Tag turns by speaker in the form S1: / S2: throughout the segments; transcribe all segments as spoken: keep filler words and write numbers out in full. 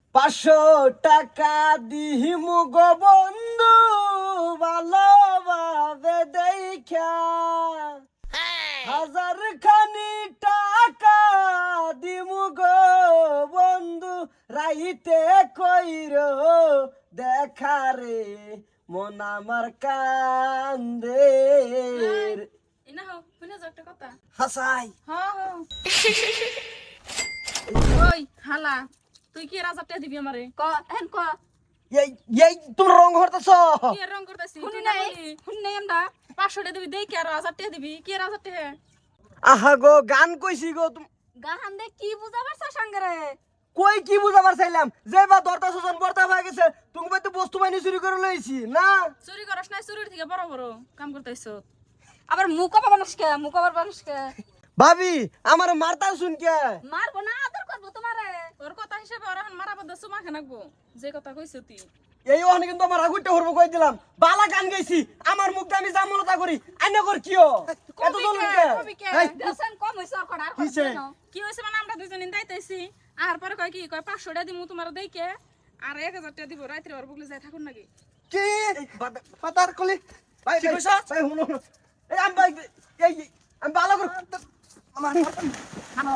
S1: পাঁচশো টাকা দিহিমু গো বন্ধু ভালোভাবে দেখা, হাজার খানি টাকা দিমু গো বন্ধু রাইতে কইর দেখা রে মন আমার কান্দে।
S2: ইনা হও শুনে যাও একটা কথা।
S1: হাসাই
S2: হ্যাঁ হ্যাঁ ওই হালা তুই কি রাজারটা দিবি আমারে
S3: ক হেন ক
S1: এই এই তুমি রং হরতেছ।
S2: কি রং করতেছি
S3: শুনি নাই শুনি নাই আমরা
S2: পাঁচশো টাকা দিবি দেই কি আর হাজারটা দিবি কি আর হাজারটা হে
S1: আহা গো গান কইছি গো তুমি
S3: গাহান দে কি বুঝা পারছ সঙ্গে রে
S1: কই কি বুঝাবার চাইলাম যে বা দরটা সজন বর্তা হয়ে গেছে তুমি তো বস্তু বাহিনী চুরি করে লইছি না।
S2: চুরি করস নাই চুরির থেকে বড় বড় কাম করতেছ
S3: আবার মুখ আবার মানুষকে মুখ আবার মানুষকে
S1: ভাবি আমার মারতা শুন কে
S3: মারবো না আদর করবো তোমারে
S2: তোর কথা হিসেবে ওরা এখন মারা বদ্ধ সুমা খানাকবো যে কথা কইছ তুই
S1: এই ওখানে কিন্তু আমার আগুনটা হরবো কই দিলাম বালা গান গাইছি আমার মুখ দিয়ে আমি জামলতা করি আইনা কর কিও এত
S2: কবি
S1: জলদি
S2: কে,
S1: কে
S2: কবি কে?
S1: এই,
S3: দেশন কম হইছে আর কড়া আর
S1: কিসে?
S3: করছে না
S2: কি হয়েছে মানে আমরা দুজন দাইতেছি আর পরে কয় কি কয় পাঁচশো টাকা দিমু তোমার দেইকে আর এক হাজার টাকা দিব রাত্রে ওর বুকলে যাই থাকুন নাকি
S1: কি পাতার কলি ভাই ভাই ভাই হুনো হুনো। এই আমি ভাই এই এই, আমি বালা করে আমার
S3: হানো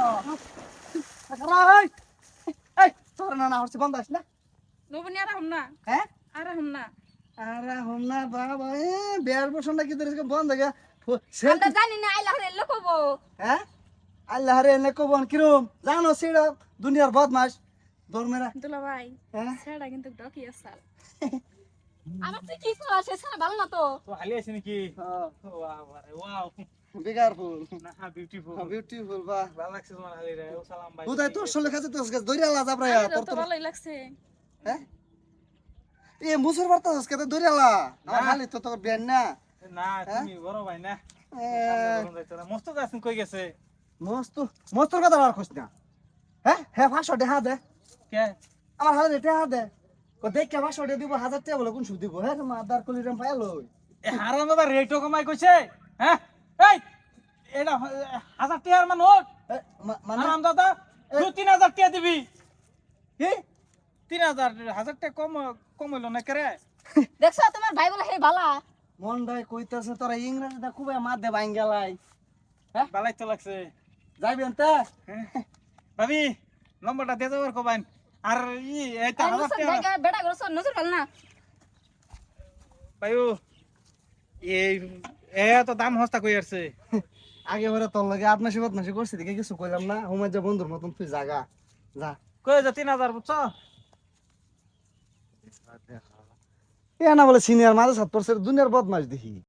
S1: এই এই তোর না না হচ্ছে বন্ধ আস না
S2: নবনি আর হম না
S1: হ্যাঁ
S2: আর হম না
S1: আরে হোমনা বাবা এ বেয়ার বসনটা কি ধরে বন্ধ হয়ে
S3: আমরা জানি না আইলা হরে লকবো
S1: হ্যাঁ আল্লাহ রে নে কবন কিরম জানো সেটা দুনিয়ার বদমাস দরমেরা
S2: দুলা ভাই
S1: হ্যাঁ
S2: সেটা কিন্তু ডকি আসাল
S3: আমার তুই কি কইছ সেটা ভালো না তো
S4: তো হালি আছে নাকি ওয়াও আরে ওয়াও
S1: বেকার ফুল
S4: না বিউটিফুল
S1: বিউটিফুল বাহ
S4: ভালো লাগছে তোমার হালি রে ও সালাম ভাই
S1: বুঝাই তোর সলে কাছে তোর কাছে দইরা লাজ আপরা
S2: আমারও
S1: তোর
S2: তো
S1: তোর
S2: ভালোই লাগছে
S1: হ্যাঁ এ মুসুর বার্তা হস কত দইরা লা আমার
S4: না।
S1: খালি তো তোর বেন না
S4: না তুমি বড় ভাই না
S1: এ,
S4: মস্ত আছেন কই গেছে
S1: মস্ত মস্তর কথা আর কইছ না হ্যাঁ হ্যাঁ পাঁচশো টাকা দে
S4: কে
S1: আমার হাতে টাকা দে কো দেখ কে পাঁচশো টাকা দিব হাজার টাকা বলে কোন সুদ দিব হ্যাঁ মা দার কলি রেম পাইল
S4: এ হারানো দা রেটও কমাই কইছে হ্যাঁ এই এটা হাজার টাকার মানুষ
S1: মানে
S4: হারাম দাদা তুই তিন হাজার টাকা দিবি
S1: কি
S4: তিন হাজার হাজার টাকা কম কমাইলো না কে রে
S3: দেখছ তোমার ভাই বলে হে ভালা
S1: মন ভাই কইতাছে তোরা ইংরেজিটা খুবই মার দে বাইন গেলাই
S4: বালাই তো লাগছে
S1: যাইবি আনতে
S4: হ্যাঁ। ভাবি নম্বরটা দিয়ে যাবার কবাইন আর ই এইটা হাজার টাকা
S3: জায়গা বেটা করছ নজর ভাল না
S4: ভাইও এই এ তো দাম হস্তা কই আসছে
S1: আগে ওরা তোর লাগে আপনার সেবাত মাসে করছি দেখে কিছু কইলাম না হুমার যা বন্ধুর মতন তুই জাগা যা
S4: কই যা তিন হাজার বুঝছো
S1: এ না বলে সিনিয়র মাঝে সাত পড়ছে দুনিয়ার বদমাস দেখি